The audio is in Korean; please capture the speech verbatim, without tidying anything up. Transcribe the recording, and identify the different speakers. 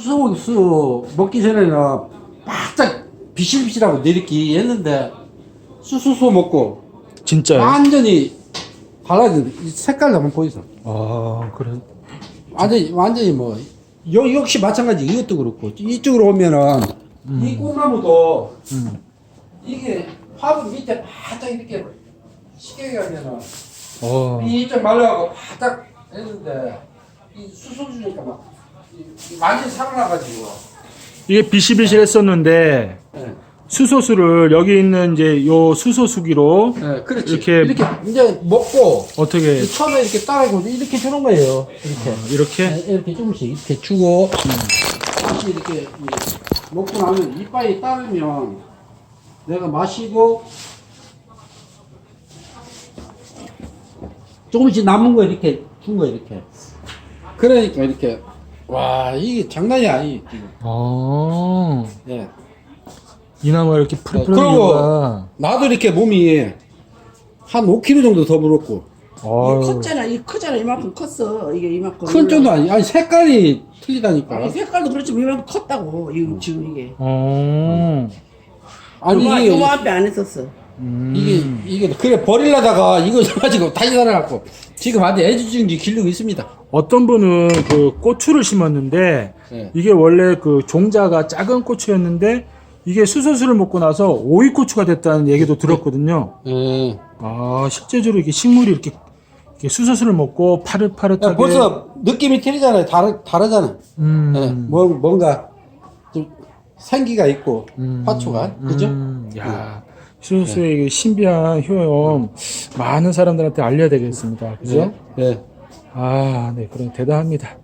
Speaker 1: 수소수 먹기 전에는 바짝 비실비실하고 내리기 했는데 수소수 먹고
Speaker 2: 진짜요?
Speaker 1: 완전히 달라진 이 색깔도 한번 보이소.
Speaker 2: 아, 그래.
Speaker 1: 완전히 완전히 뭐 여, 역시 마찬가지 이것도 그렇고 이쪽으로 오면은
Speaker 2: 음.
Speaker 1: 이 꽃나무도
Speaker 2: 음.
Speaker 1: 이게 화분 밑에 바짝 이렇게 시계게 하면은
Speaker 2: 어.
Speaker 1: 이쪽 말라가고 바짝 했는데 이 수소 주니까 막 이- 이 완전히 살아나가지고.
Speaker 2: 이게 비실비실했었는데
Speaker 1: 예.
Speaker 2: 수소수를 여기 있는 이제 요 수소수기로
Speaker 1: 예, 그렇지.
Speaker 2: 이렇게
Speaker 1: 이렇게 이제 먹고
Speaker 2: 어떻게
Speaker 1: 이 처음에 이렇게 따라고 이렇게 주는 거예요. 이렇게.
Speaker 2: 이렇게
Speaker 1: 예, 이렇게 조금씩 이렇게 주고 다시 이렇게 이- 먹고 나면 이빨이 따르면 내가 마시고 조금씩 남은 거 이렇게 준 거 이렇게. 그러니까 이렇게 와 이게 장난이 아니 지금.
Speaker 2: 아,
Speaker 1: 예.
Speaker 2: 이나마 이렇게 풀풀한
Speaker 1: 그리고
Speaker 2: 이유가
Speaker 1: 나도 이렇게 몸이 한 오 킬로그램 정도 더 불었고.
Speaker 2: 아유,
Speaker 3: 컸잖아. 이 크잖아. 이만큼 컸어. 이게 이만큼.
Speaker 1: 큰 정도 아니 아니 색깔이 틀리다니까.
Speaker 3: 아니, 색깔도 그렇지만 이만큼 컸다고. 이거 지금 이게.
Speaker 2: 어,
Speaker 1: 아니
Speaker 3: 요만,
Speaker 1: 이게
Speaker 3: 요만 앞에 안 했었어.
Speaker 2: 음.
Speaker 1: 이게 이게 그래 버리려다가 이거 가지고 다시 살아갖고 지금 아직 애지중지 기르고 있습니다.
Speaker 2: 어떤 분은 그 고추를 심었는데
Speaker 1: 예.
Speaker 2: 이게 원래 그 종자가 작은 고추였는데 이게 수소수를 먹고 나서 오이고추가 됐다는 얘기도 들었거든요.
Speaker 1: 예.
Speaker 2: 아, 실제적으로 이게 식물이 이렇게, 이렇게 수소수를 먹고 파릇파릇하게.
Speaker 1: 야, 벌써 느낌이 틀리잖아요. 다르 다르잖아.
Speaker 2: 음.
Speaker 1: 예. 뭐 뭔가 좀 생기가 있고
Speaker 2: 음.
Speaker 1: 화초가 그죠?
Speaker 2: 음. 야, 수소수의 이 신비한 효용 많은 사람들한테 알려야 되겠습니다. 그죠?
Speaker 1: 예. 예.
Speaker 2: 아, 네, 그럼 대단합니다.